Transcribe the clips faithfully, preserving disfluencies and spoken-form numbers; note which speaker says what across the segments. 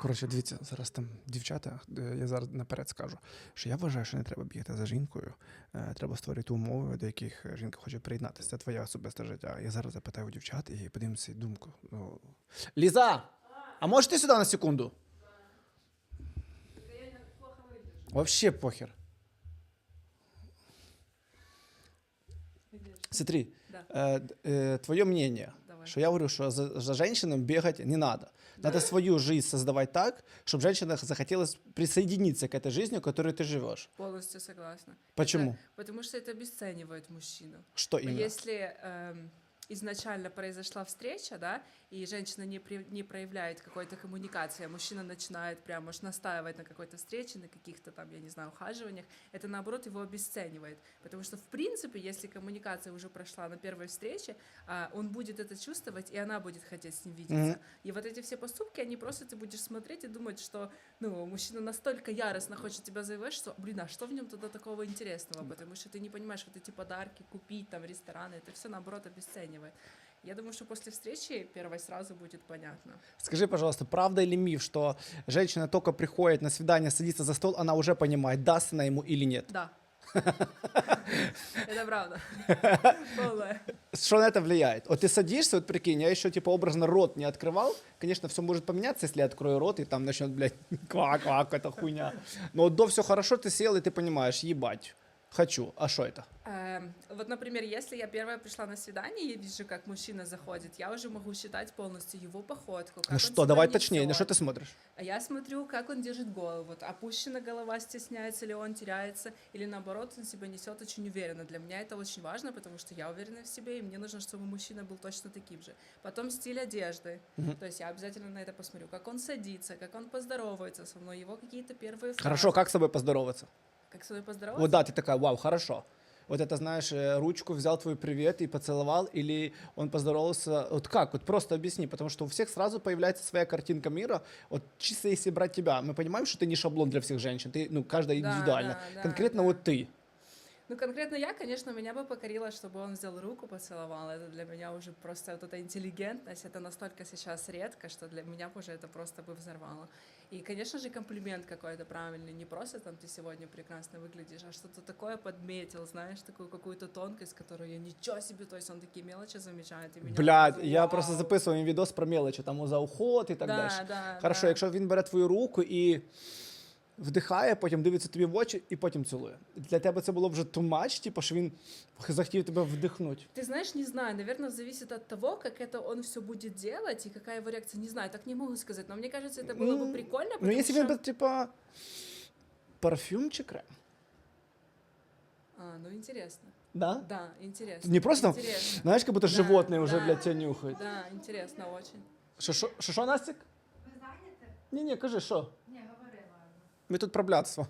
Speaker 1: Коротше, дивіться, зараз там дівчата, е, я зараз наперед скажу, що я вважаю, що не треба бігати за жінкою, е, треба створити умови, до яких жінка хоче приєднатися. Це твоє особисте життя. Я зараз запитаю у дівчат і подивимося їх думку. Ну... Ліза, а можеш ти сюди на секунду? Вообще похер. Смотри,
Speaker 2: Да.
Speaker 1: э, э, твое мнение,
Speaker 2: Давай.
Speaker 1: что я говорю, что за, за женщинам бегать не надо. Надо свою жизнь создавать так, чтобы женщинам захотелось присоединиться к этой жизни, в которой ты живешь.
Speaker 2: Полностью согласна.
Speaker 1: Почему?
Speaker 2: Это- потому что это обесценивает мужчину.
Speaker 1: Что именно?
Speaker 2: Если эм, изначально произошла встреча, да, и женщина не, при- не проявляет какой-то коммуникации, а мужчина начинает прямо уж настаивать на какой-то встрече, на каких-то там, я не знаю, ухаживаниях, это наоборот его обесценивает. Потому что, в принципе, если коммуникация уже прошла на первой встрече, а, он будет это чувствовать, и она будет хотеть с ним видеться.
Speaker 1: Мгм.
Speaker 2: И вот эти все поступки, они просто ты будешь смотреть и думать, что ну, мужчина настолько яростно хочет тебя завоевать, что, блин, а что в нем тогда такого интересного? Потому что ты не понимаешь, вот эти подарки купить, там, рестораны, это все, наоборот, обесценивает. Я думаю, что после встречи первой сразу будет понятно.
Speaker 1: Скажи, пожалуйста, правда или миф, что женщина только приходит на свидание, садится за стол, она уже понимает, даст она ему или нет?
Speaker 2: Да. Это правда. Полная.
Speaker 1: Что на это влияет? Вот ты садишься, вот прикинь, я еще типа образно рот не открывал. Конечно, все может поменяться, если я открою рот, и там начнет, блядь, квак-квак, это хуйня. Но вот до все хорошо, ты сел, и ты понимаешь, ебать, хочу. А что это?
Speaker 2: Эм, Вот, например, если я первая пришла на свидание, я вижу, как мужчина заходит, я уже могу считать полностью его походку. Как
Speaker 1: Ну
Speaker 2: он
Speaker 1: что,
Speaker 2: себя
Speaker 1: давай точнее, на
Speaker 2: несёт.
Speaker 1: что ты смотришь?
Speaker 2: А я смотрю, как он держит голову. Вот опущена голова, стесняется ли он, теряется, или наоборот, он себя несет очень уверенно. Для меня это очень важно, потому что я уверена в себе, и мне нужно, чтобы мужчина был точно таким же. Потом стиль одежды.
Speaker 1: Мгм.
Speaker 2: То есть я обязательно на это посмотрю, как он садится, как он поздоровается со мной, его какие-то первые фразы.
Speaker 1: Хорошо, как с тобой поздороваться?
Speaker 2: Как с тобой поздороваться?
Speaker 1: Вот да, ты такая, вау, хорошо. Вот это, знаешь, э, ручку взял твой привет и поцеловал, или он поздоровался, вот как, вот просто объясни, потому что у всех сразу появляется своя картинка мира, вот чисто если брать тебя, мы понимаем, что ты не шаблон для всех женщин, ты, ну, каждая
Speaker 2: Да,
Speaker 1: индивидуально,
Speaker 2: да, да,
Speaker 1: конкретно
Speaker 2: да.
Speaker 1: вот ты.
Speaker 2: Ну, конкретно я, конечно, меня бы покорило, чтобы он взял руку, поцеловал. Это для меня уже просто вот эта интеллигентность, это настолько сейчас редко, что для меня уже это просто бы взорвало. И, конечно же, комплимент какой-то правильный, не просто там ты сегодня прекрасно выглядишь, а что-то такое подметил, знаешь, такую какую-то тонкость, которую я ничего себе, то есть он такие мелочи замечает. И меня
Speaker 1: Блядь,
Speaker 2: сразу,
Speaker 1: я
Speaker 2: вау.
Speaker 1: просто записував їм відос про мелочі, там за уход і так
Speaker 2: Да,
Speaker 1: далі.
Speaker 2: да,
Speaker 1: Хорошо,
Speaker 2: да.
Speaker 1: якщо він бере твою руку і вдихає, потім дивиться тобі в очі і потім цілує. Для тебе це було вже too much, типу, що він захотів тебе вдихнути.
Speaker 2: Ты знаешь, не знаю, наверное, зависит от того, как это он все будет делать и какая его реакция, не знаю, так не могу сказать, но мне кажется, это было бы
Speaker 1: Ну,
Speaker 2: прикольно,
Speaker 1: Ну,
Speaker 2: потому
Speaker 1: якщо
Speaker 2: что...
Speaker 1: він би, типа, парфюм чи крем?
Speaker 2: А, ну интересно.
Speaker 1: Да?
Speaker 2: Да, интересно.
Speaker 1: Не просто,
Speaker 2: Интересно.
Speaker 1: знаєш, як будто
Speaker 2: Да,
Speaker 1: животне вже,
Speaker 2: да.
Speaker 1: блядь, тебе нюхають.
Speaker 2: Да, интересно очень.
Speaker 1: Що, що, що, що, Настік?
Speaker 3: Ви зайняті?
Speaker 1: Ні-ні, кажи, що?
Speaker 3: Ні, говори, ладно.
Speaker 1: Ми тут про блядство.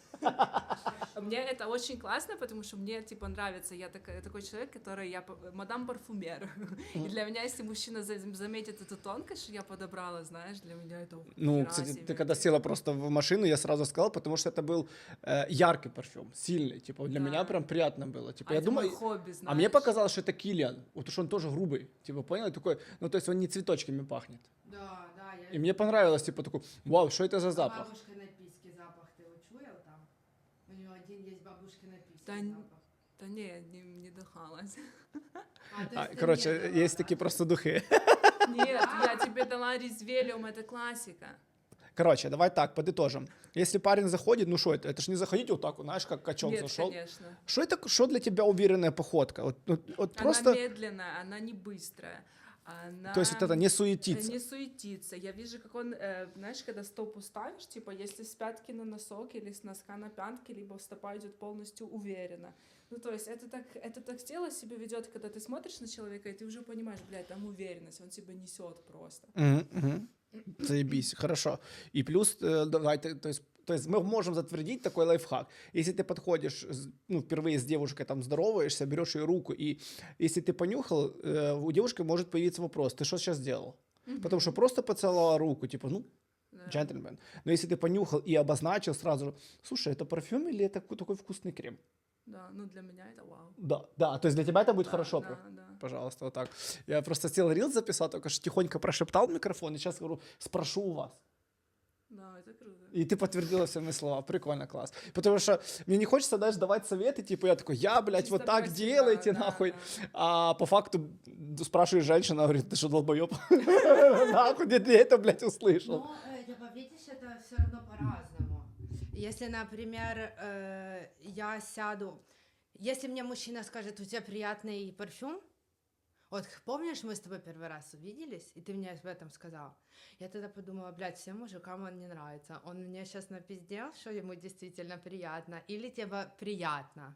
Speaker 2: Мне это очень классно, потому что мне, типа, нравится. Я такой, такой человек, который, я п- мадам парфюмер. И для меня, если мужчина за- заметит эту тонкость, что я подобрала, знаешь, для меня это
Speaker 1: Ну,
Speaker 2: хера
Speaker 1: кстати,
Speaker 2: себе.
Speaker 1: ты когда села просто в машину, я сразу сказал, потому что это был э, яркий парфюм, сильный. Типа, для
Speaker 2: Да.
Speaker 1: меня прям приятно было. Типа,
Speaker 2: А
Speaker 1: я
Speaker 2: это
Speaker 1: думаю,
Speaker 2: мое хобби, знаешь.
Speaker 1: а мне показалось, что это Киллиан. Вот уж он тоже грубый. Типа, понял? Такой, ну, то есть он не цветочками пахнет.
Speaker 3: Да, да, я...
Speaker 1: И мне понравилось, типа, такой, вау, что это за запах?
Speaker 3: Бабушка написки запах, ты его чуял там? У него один есть бабушки написки
Speaker 2: Да н-
Speaker 3: запах.
Speaker 2: Да не, не, не дыхалась.
Speaker 3: А, то
Speaker 1: А,
Speaker 3: есть ты
Speaker 1: короче,
Speaker 3: мне дала,
Speaker 1: есть
Speaker 3: да?
Speaker 1: такие просто духи.
Speaker 2: Нет, я тебе дала резвелиум, это классика.
Speaker 1: Короче, давай так, подытожим. Если парень заходит, ну что это? Это ж не заходить вот так, вот, знаешь, как качок
Speaker 2: Нет,
Speaker 1: зашел.
Speaker 2: конечно.
Speaker 1: Что это, что для тебя уверенная походка? Вот, вот, вот просто,
Speaker 2: Она медленная, она не быстрая. Она...
Speaker 1: то есть вот это не суетиться.
Speaker 2: Не суетиться. Я вижу, как он, э, знаешь, когда стопу ставишь, типа, если с пятки на носок или с носка на пятки, либо стопа идет полностью уверенно. Ну, то есть это так, это так тело себя ведет, когда ты смотришь на человека, и ты уже понимаешь, блядь, там уверенность, он тебя несет просто.
Speaker 1: Мгм, мгм. Заебись, хорошо. И плюс, э, давайте, то есть, то есть мы можем затвердить такой лайфхак. Если ты подходишь, с- ну, впервые с девушкой там здороваешься, берешь ее руку, и если ты понюхал, э, у девушки может появиться вопрос, ты что сейчас сделал? Потому что просто поцеловала руку, типа, ну,
Speaker 2: Да.
Speaker 1: джентльмен. Но если ты понюхал и обозначил сразу, же, слушай, это парфюм или это ку- такой вкусный крем?
Speaker 2: Да, ну для меня это вау.
Speaker 1: Да, да, то есть для тебя это будет
Speaker 2: Да,
Speaker 1: хорошо.
Speaker 2: Да,
Speaker 1: про-
Speaker 2: да.
Speaker 1: Пожалуйста, вот так. Я просто сел рилс записал, только что тихонько прошептал в микрофон, и сейчас говорю, спрошу у вас.
Speaker 2: Да, это круто.
Speaker 1: И ты подтвердила все мои слова. Прикольно, класс. Потому что мне не хочется, знаешь, давать советы, типа я такой, я, блядь,
Speaker 2: Чисто
Speaker 1: вот так
Speaker 2: про себя,
Speaker 1: делайте,
Speaker 2: да,
Speaker 1: нахуй.
Speaker 2: да.
Speaker 1: А по факту спрашиваешь женщина, говорит, ты что, долбоеб? Нахуй, где ты это, блядь, услышал?
Speaker 3: Но, э, типа, видишь, это все равно по-разному. Если, например, э, я сяду, если мне мужчина скажет, у тебя приятный парфюм, вот помнишь, мы с тобой первый раз увиделись, и ты мне об этом сказал? Я тогда подумала, блядь, всем мужикам он не нравится. Он мне сейчас напиздел, что ему действительно приятно, или тебе приятно.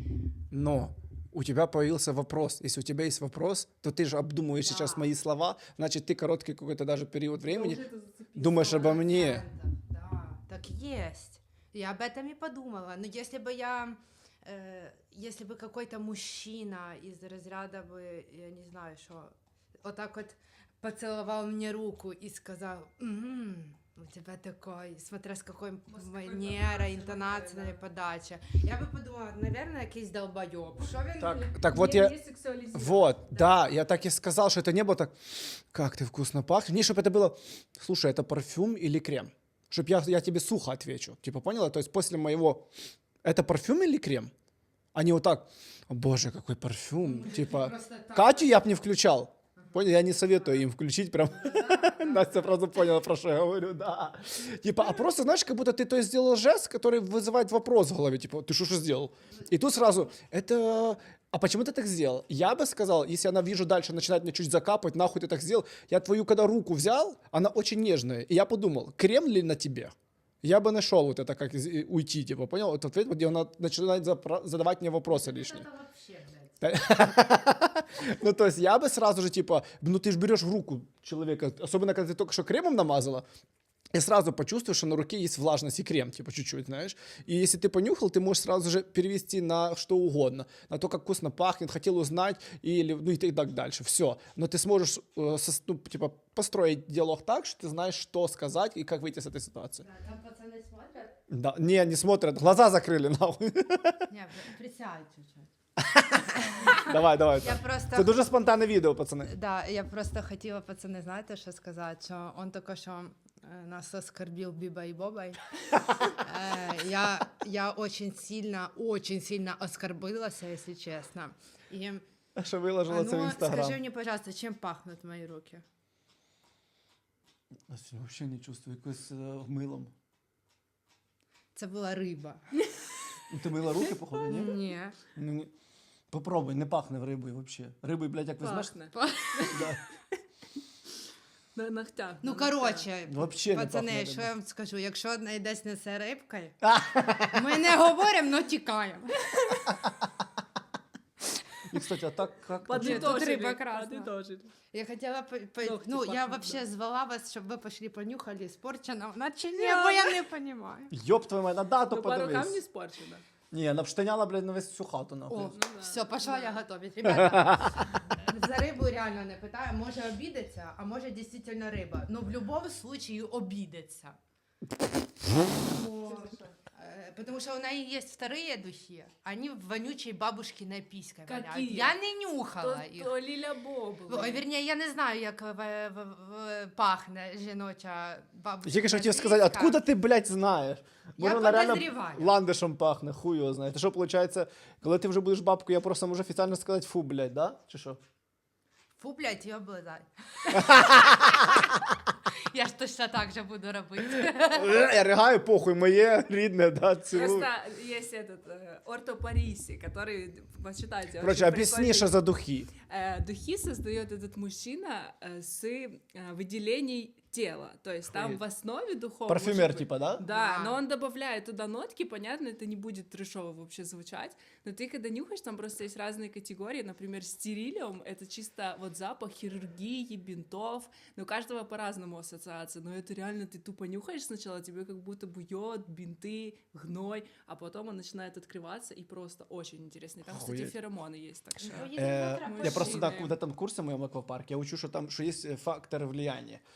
Speaker 1: Но у тебя появился вопрос. Если у тебя есть вопрос, то ты же обдумываешь
Speaker 3: Да.
Speaker 1: сейчас мои слова, значит, ты короткий какой-то даже период времени
Speaker 2: Я уже это зацепила.
Speaker 1: думаешь обо мне.
Speaker 3: Да, так есть. Я об этом и подумала. Но если бы я, э, если бы какой-то мужчина из разряда бы, я не знаю, что, вот так вот поцеловал мне руку и сказал, «М, у тебя такой, смотря с какой
Speaker 2: с какой
Speaker 3: манерой,
Speaker 2: подачей,
Speaker 3: интонацией,
Speaker 2: да.
Speaker 3: подача. Я бы подумала, наверное, якийсь долбоёб. Що він
Speaker 1: Так,
Speaker 3: мені-
Speaker 1: так вот
Speaker 2: Не-
Speaker 1: я...
Speaker 2: не сексуализировать.
Speaker 1: Вот, да, я так и сказал, что это не было так, как ты вкусно пахнешь. Не, чтобы это было, слушай, это парфюм или крем? Чтоб я, я тебе сухо отвечу. Типа, поняла? То есть после моего, это парфюм или крем? А не вот так, о боже, какой парфюм. Типа,
Speaker 3: Просто так.
Speaker 1: Катю я бы не включал. Понял? Я не советую им включить прям. Настя просто поняла, про что я говорю, да. Типа, а просто, знаешь, как будто ты то есть сделал жест, который вызывает вопрос в голове, типа, ты что, что сделал? И тут сразу, это... А почему ты так сделал? Я бы сказал, если она, вижу, дальше начинает мне чуть закапывать, нахуй ты так сделал, я твою, когда руку взял, она очень нежная, и я подумал, крем ли на тебе? Я бы нашел вот это, как из- и уйти, типа, понял? Вот ответ, где она начинает запра- задавать мне вопросы лишние.
Speaker 3: Это вообще, блядь.
Speaker 1: Ну, то есть я бы сразу же, типа, ну, ты же берешь в руку человека, особенно, когда ты только что кремом намазала, и сразу почувствуешь, что на руке есть влажность и крем, типа, чуть-чуть, знаешь. И если ты понюхал, ты можешь сразу же перевести на что угодно. На то, как вкусно пахнет, хотел узнать, или, ну, и так дальше. Все. Но ты сможешь, э, сос- ну, типа, построить диалог так, что ты знаешь, что сказать и как выйти с этой ситуации.
Speaker 3: Да, там пацаны смотрят.
Speaker 1: Да, не, не смотрят, глаза закрыли, нахуй.
Speaker 3: Не, присядь чуть-чуть.
Speaker 1: Давай, давай.
Speaker 3: Я просто...
Speaker 1: Це дуже спонтанне відео, пацани.
Speaker 3: Да, я просто хотіла, пацани, знаєте, що сказати, що он тільки що е, нас оскорбил Биба и Бобой. Э, Я, я очень сильно, очень сильно оскорбилась, если честно. И,
Speaker 1: Що
Speaker 3: а
Speaker 1: виложила це в
Speaker 3: ну,
Speaker 1: інстаграм.
Speaker 3: скажи мне, пожалуйста, чем пахнут мои руки?
Speaker 1: Взагалі не чувствую, якось э, милом.
Speaker 3: Це була риба.
Speaker 1: Ну, ти мила руки, походу, ні?
Speaker 3: Ні.
Speaker 1: Ну, ні. Попробуй, не пахне в рибою взагалі. Рибою, блядь, як візьмеш?
Speaker 2: Пахне.
Speaker 1: Да.
Speaker 2: На ногтях.
Speaker 3: Ну,
Speaker 2: на ногтях.
Speaker 3: коротше,
Speaker 1: Вообще не
Speaker 3: пацани,
Speaker 1: пахне
Speaker 3: що
Speaker 1: рибою.
Speaker 3: я вам скажу, якщо одна десь несе рибкою, ми не говоримо, но тікаємо.
Speaker 1: І, кстати, а так, як...
Speaker 2: Подытожили.
Speaker 3: Тут рыба красная.
Speaker 2: Подытожили.
Speaker 3: Я хотела, по- по-
Speaker 2: Ногти
Speaker 3: ну, я
Speaker 2: пахнут,
Speaker 3: вообще
Speaker 2: да.
Speaker 3: звала вас, чтобы вы пошли понюхали, испорчено, начали, бо я не понимаю.
Speaker 1: Йоп твою мать, на дату
Speaker 2: Ну, по рукам не
Speaker 1: подивись.
Speaker 2: спорчено.
Speaker 1: Ні, вона штаняла, блядь, на всю хату, нахуй.
Speaker 3: О,
Speaker 2: да.
Speaker 3: все, пошла я готовить. Ребята, за рибу реально не питаю, може обідеться, а може дійсно риба. Но в будь-якому случае обідеться. Потому, э, потому что у нее есть вторые духи, они в вонючей бабушкиной писькой
Speaker 2: Какие?
Speaker 3: валяют. Я не нюхала
Speaker 2: То,
Speaker 3: їх.
Speaker 2: то Ліля Боб.
Speaker 3: Ой, вірні, я не знаю, як в, в, в, пахне жіноча бабушка.
Speaker 1: Я, конечно, хотів сказати, откуда ти, блядь, знаєш?
Speaker 3: Я
Speaker 1: вона реально
Speaker 3: подозріваю.
Speaker 1: ландишем пахне, хуй його знає. Ти що, виходить, коли ти вже будеш бабкою, я просто можу офіційно сказати фу, блядь, да? Чи що?
Speaker 3: Фу, блядь, її облизай. Я ж точно так же буду робити.
Speaker 1: Я ригаю, похуй, моє рідне, да, цілую.
Speaker 2: Просто есть этот э, ортопариси, который, почитайте.
Speaker 1: Короче,
Speaker 2: очень
Speaker 1: объясни,
Speaker 2: прикольный.
Speaker 1: что за духи.
Speaker 2: Э, Духи создает этот мужчина э, с э, выделений тела. То есть там
Speaker 1: Охуеть.
Speaker 2: в основе духов...
Speaker 1: Парфюмер,
Speaker 2: может быть-
Speaker 1: типа, да?
Speaker 2: Да,
Speaker 3: Да.
Speaker 2: но он добавляет туда нотки, понятно, это не будет трешово вообще звучать, но ты когда нюхаешь, там просто есть разные категории, например, стерилиум — это чисто вот запах хирургии, бинтов, но у каждого по-разному ассоциация, но это реально ты тупо нюхаешь сначала, тебе как будто бы йод, бинты, гной, а потом он начинает открываться, и просто очень интересно. И там, кстати,
Speaker 1: Охуеть.
Speaker 2: феромоны есть, так что...
Speaker 1: Э,
Speaker 3: Завтра
Speaker 1: я просто на
Speaker 2: мужчины.
Speaker 1: в этом курсе моем аквапарке, я учу, что там, что есть э, факторы влияния. Это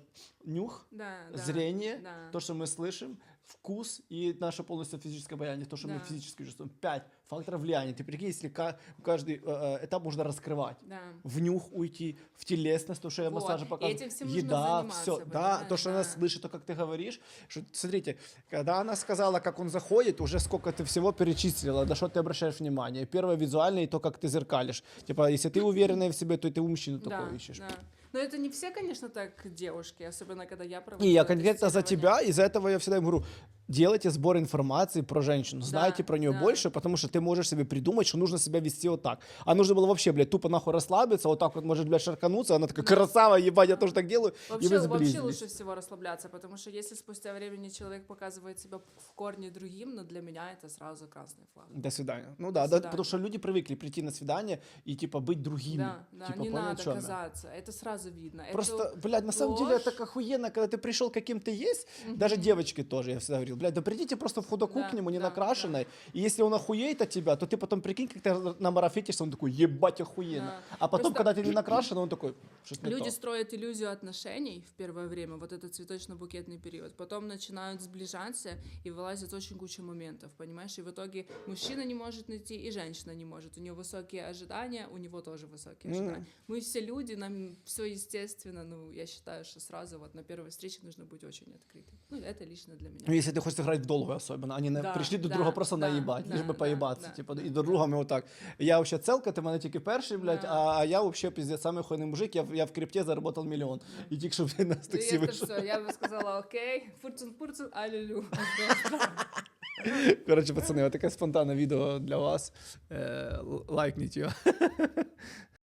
Speaker 1: нюх,
Speaker 2: Да, да,
Speaker 1: зрение,
Speaker 2: да.
Speaker 1: то, что мы слышим, вкус и наше полностью физическое обаяние, то, что мы
Speaker 2: Да.
Speaker 1: физически чувствуем. Пять факторов влияния. Ты прикинь, если ка- каждый э, э, этап можно раскрывать.
Speaker 2: Да.
Speaker 1: В нюх уйти, в телесность, то, что я
Speaker 2: Вот.
Speaker 1: массажа
Speaker 2: И
Speaker 1: показываю.
Speaker 2: этим всем нужно
Speaker 1: Еда,
Speaker 2: заниматься,
Speaker 1: все. Да,
Speaker 2: понимаешь?
Speaker 1: то, что она
Speaker 2: Да.
Speaker 1: слышит, то, как ты говоришь. Что, смотрите, когда она сказала, как он заходит, уже сколько ты всего перечислила, на что ты обращаешь внимание. Первое визуальное, и то, как ты зеркалишь. Типа, если ты уверенная в себе, то и ты у мужчины
Speaker 2: Да,
Speaker 1: такое ищешь.
Speaker 2: да. Но это не все, конечно, так девушки, особенно когда я проводила
Speaker 1: И я конкретно за
Speaker 2: тестирование.
Speaker 1: тебя, из-за этого я всегда им говорю, делайте сбор информации про женщину, знайте
Speaker 2: Да,
Speaker 1: про нее
Speaker 2: да.
Speaker 1: больше, потому что ты можешь себе придумать, что нужно себя вести вот так. А нужно было вообще, блядь, тупо нахуй расслабиться, вот так вот, может, блядь, шаркануться, она такая,
Speaker 2: Да.
Speaker 1: красава, ебать, я тоже так делаю, и
Speaker 2: Вообще,
Speaker 1: вы
Speaker 2: вообще
Speaker 1: сблизились.
Speaker 2: лучше всего расслабляться, потому что если спустя времени человек показывает себя в корне другим, но для меня это сразу красный флаг.
Speaker 1: До свидания. Ну
Speaker 2: До
Speaker 1: да, да,
Speaker 2: свидания.
Speaker 1: потому что люди привыкли прийти на свидание и, типа, быть другими.
Speaker 2: Да, да,
Speaker 1: Типа,
Speaker 2: не
Speaker 1: понял,
Speaker 2: надо
Speaker 1: о чём я?
Speaker 2: казаться, это сразу видно.
Speaker 1: Просто,
Speaker 2: Это
Speaker 1: блядь, на самом деле это
Speaker 2: ложь.
Speaker 1: так охуенно, когда ты пришел каким ты есть, даже девочки тоже, я всегда говорил, блядь, да придите просто в худоку
Speaker 2: Да,
Speaker 1: к нему, не
Speaker 2: да,
Speaker 1: накрашенной, и если он охуеет от тебя, то ты потом прикинь, как ты намарафетишься, он такой, ебать, охуенно.
Speaker 2: Да.
Speaker 1: А потом,
Speaker 2: Просто-
Speaker 1: когда ты не накрашен, он такой, что-то не
Speaker 2: Люди
Speaker 1: то.
Speaker 2: строят иллюзию отношений в первое время, вот этот цветочно-букетный период. Потом начинают сближаться и вылазит очень куча моментов, понимаешь? И в итоге мужчина не может найти, и женщина не может. У нее высокие ожидания, у него тоже высокие
Speaker 1: Мгм.
Speaker 2: ожидания. Мы все люди, нам все естественно. Ну, я считаю, что сразу вот на первой встрече нужно быть очень открытым. Ну, это лично для меня.
Speaker 1: Ну, если ты хочешь играть в долгую особенно, они на-
Speaker 2: Да,
Speaker 1: пришли друг
Speaker 2: да,
Speaker 1: друга просто
Speaker 2: да,
Speaker 1: наебать,
Speaker 2: да,
Speaker 1: лишь бы
Speaker 2: да,
Speaker 1: поебаться,
Speaker 2: да,
Speaker 1: типа,
Speaker 2: да,
Speaker 1: і до друга ми отак. Я вообще целка, ти мене тільки перший, блядь,
Speaker 2: Да.
Speaker 1: а, а я вообще, пиздец, самый хуйний мужик, я, в- я в крипте заработал миллион. І тільки, щоб ти нас
Speaker 2: Ну,
Speaker 1: таксі
Speaker 2: это
Speaker 1: вийшло.
Speaker 2: все, я бы сказала, окей, фурцун-фурцун, аллилу.
Speaker 1: Коротше, пацани, отаке спонтанне відео для вас. Е, л- лайкніть його.